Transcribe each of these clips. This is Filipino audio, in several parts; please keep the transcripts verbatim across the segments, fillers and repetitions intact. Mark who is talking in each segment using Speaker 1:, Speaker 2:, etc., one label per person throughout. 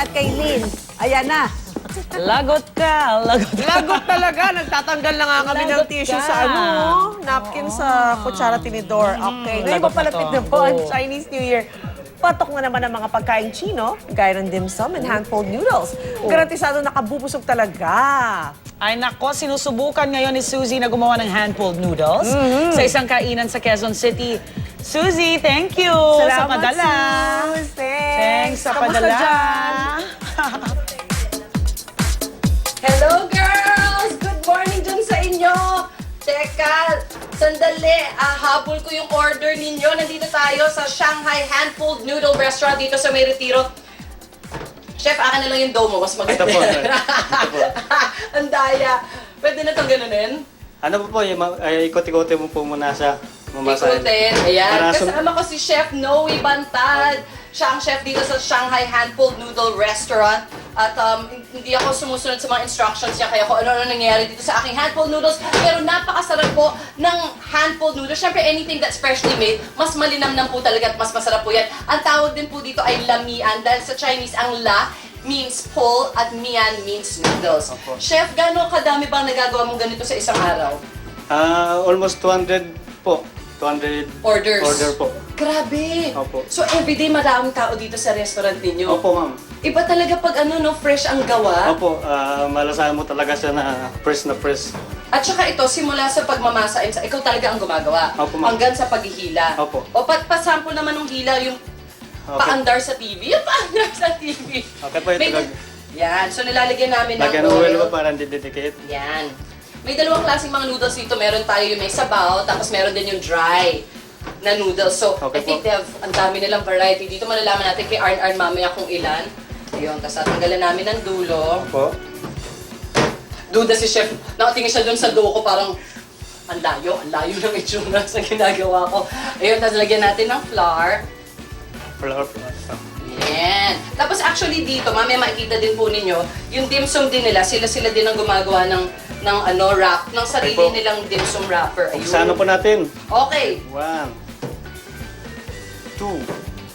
Speaker 1: at kay Lynn. Ayan na.
Speaker 2: Lagot ka, lagot ka.
Speaker 3: Lagot talaga. Nagtatanggal na nga kami ng
Speaker 2: Lagot
Speaker 3: tissue
Speaker 2: ka.
Speaker 3: sa ano, napkin sa kutsara tinidor. Okay. Ngayon,
Speaker 2: lagot na
Speaker 3: papalapit
Speaker 2: to.
Speaker 3: na po ang
Speaker 2: Oo.
Speaker 3: Chinese New Year. Patok na naman ang mga pagkain Chino, gaya ng dim sum and hand-pulled noodles. Garantisado nakabubusog talaga.
Speaker 2: Ay nako, sinusubukan ngayon ni Suzy na gumawa ng hand-pulled noodles sa isang kainan sa Quezon City. Suzy, thank you sa padala.
Speaker 3: Sus. Thanks.
Speaker 2: Thanks sa
Speaker 3: Kamusta
Speaker 2: padala.
Speaker 3: dyan?
Speaker 4: Hello, girls! Good morning dyan sa inyo! Teka, sandali. Ah, habol ko yung order ninyo. Nandito tayo sa Shanghai Hand-Pulled Noodle Restaurant dito sa May Retiro. Chef, akin na lang yung dough mo. Mas maganda.
Speaker 5: Ito po, sir. Ito po.
Speaker 4: Ang daya. Pwede na itong ganunin?
Speaker 5: Ano po po, yung ma- ay, ikot-ikotin mo po muna sa mamasahin.
Speaker 4: Ikutin. Ayan.
Speaker 5: Para sa-
Speaker 4: Kasama ko si Chef Noe Bantad. Siya ang chef dito sa Shanghai Hand-Pulled Noodle Restaurant. At um, hindi ako sumusunod sa mga instructions niya, kaya kung ano-ano nangyayari dito sa aking hand-pulled noodles. Pero napakasarap po ng hand-pulled noodles. Siyempre, anything that's freshly made, mas malinamnam po talaga at mas masarap po yan. Ang tawag din po dito ay lamian dahil sa Chinese ang la means pull at mian means noodles.
Speaker 5: Opo.
Speaker 4: Chef, gano'ng kadami bang nagagawa mong ganito sa isang araw?
Speaker 5: Ah, almost two hundred po. two hundred
Speaker 4: Orders.
Speaker 5: order po.
Speaker 4: Grabe!
Speaker 5: Opo.
Speaker 4: So everyday maraming tao dito sa restaurant ninyo?
Speaker 5: Opo, ma'am.
Speaker 4: Iba talaga pag ano, no, fresh ang gawa.
Speaker 5: Opo, ah, malasahan mo talaga siya na fresh na fresh.
Speaker 4: At saka ito, simula sa pagmamasa, and sa, ikaw talaga ang gumagawa.
Speaker 5: Opo, ma'am.
Speaker 4: Hanggang sa paghihila.
Speaker 5: Opo.
Speaker 4: O pat pasample naman ng hila, yung
Speaker 5: Okay.
Speaker 4: paandar sa T V. Yung paandar sa T V.
Speaker 5: Okay po, ito
Speaker 4: May-
Speaker 5: lag-
Speaker 4: Yan. So nilalagyan namin ng
Speaker 5: Lagyan ng oil
Speaker 4: oil.
Speaker 5: po para hindi didikit.
Speaker 4: Yan. May dalawang klaseng mga noodles dito. Meron tayo yung may sabaw, tapos meron din yung dry na noodles. So,
Speaker 5: Okay
Speaker 4: I think
Speaker 5: po.
Speaker 4: they have, ang dami nilang variety. Dito malalaman natin kay Arn Arn mamaya kung ilan. Ayun, tapos tatanggalan namin ng dulo.
Speaker 5: Opo.
Speaker 4: Duda si Chef. Nakatingin siya dun sa dough ko, parang ang layo, ang layo ng itsura sa ginagawa ko. Ayun, tapos lagyan natin ng flour.
Speaker 5: Flour po. Ito.
Speaker 4: Yan. Tapos actually dito, mamaya makikita din po ninyo, yung dim sum din nila, sila-sila din ang gumagawa ng ng ano wrap, ng sarili
Speaker 5: po.
Speaker 4: nilang dim sum wrapper. Ayun.
Speaker 5: Umpisahan na po natin.
Speaker 4: Okay.
Speaker 5: One. Two.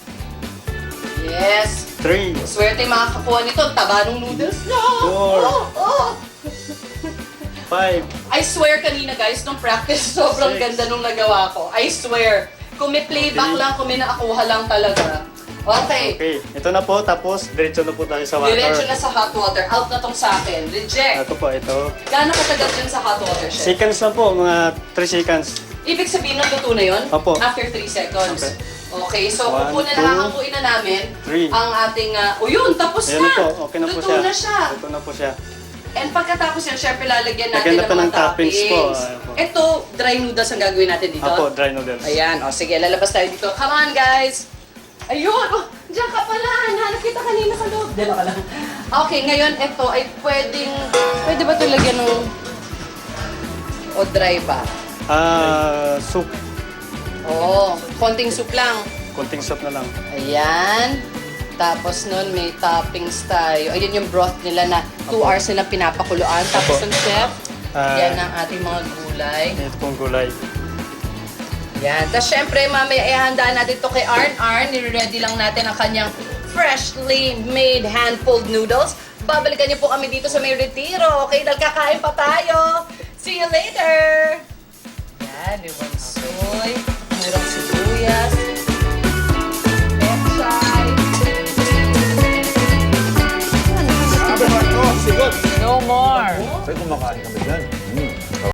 Speaker 4: Yes.
Speaker 5: Three.
Speaker 4: Swerte yung makakakuha nito. Ang taba ng noodles. No!
Speaker 5: Four.
Speaker 4: Oh, oh.
Speaker 5: Five.
Speaker 4: I swear kanina guys, nung practice, sobrang
Speaker 5: Six.
Speaker 4: ganda nung nagawa ko. I swear. Kung may playback
Speaker 5: Okay.
Speaker 4: lang, kung may naakuha lang talaga. Okay.
Speaker 5: Okay. Ito na po, tapos diretso na po tayo sa water.
Speaker 4: Diretso na sa hot water. Out na tong sa akin. Reject.
Speaker 5: Ito po, ito.
Speaker 4: Gaano katagal dyan sa hot water, chef?
Speaker 5: Seconds lang po, mga three seconds.
Speaker 4: Ibig sabihin ng luto na yun?
Speaker 5: Opo.
Speaker 4: After three seconds.
Speaker 5: Okay.
Speaker 4: Okay, so
Speaker 5: One,
Speaker 4: upo na
Speaker 5: two,
Speaker 4: nakakapuin na namin
Speaker 5: three.
Speaker 4: ang ating... Uh, oh yun, tapos
Speaker 5: Ayan
Speaker 4: na!
Speaker 5: na po, okay na po
Speaker 4: Luto
Speaker 5: siya.
Speaker 4: na siya.
Speaker 5: Luto na po siya.
Speaker 4: And pagkatapos yan, syempre lalagyan natin
Speaker 5: Lagyan na
Speaker 4: ng
Speaker 5: po
Speaker 4: mga
Speaker 5: ng toppings po.
Speaker 4: toppings.
Speaker 5: Ayan po.
Speaker 4: Ito, dry noodles ang gagawin natin dito.
Speaker 5: Apo, dry noodles.
Speaker 4: Ayan, o sige, lalabas tayo dito. Come on, guys! Ayun! Oh, diyan ka pala! Hanap kita kanina sa loob. Diyan ka lang. Okay, ngayon ito ay pwedeng... Pwede ba ito lagyan ng... O dry ba?
Speaker 5: Ah, soup.
Speaker 4: Oo, konting soup lang.
Speaker 5: Konting soup na lang.
Speaker 4: Ayan. Tapos nun, may toppings tayo. Ayun yung broth nila na two hours nila pinapakuluan. Tapos
Speaker 5: Apo.
Speaker 4: ang chef,
Speaker 5: Ah.
Speaker 4: yan ang ating mga gulay.
Speaker 5: Ito pong gulay.
Speaker 4: Yan. Tapos syempre, mamaya ihandaan natin to kay Arn Arn. Nire-ready lang natin ang kanyang freshly made hand-pulled noodles. Babalikan niyo po kami dito sa May Retiro. Okay, dahil kakain pa tayo. See you later! Yan, limang soy, murang sibuyas, pechay.
Speaker 2: No more.
Speaker 6: Sa'yo kumakain ka ba dyan? Hmm.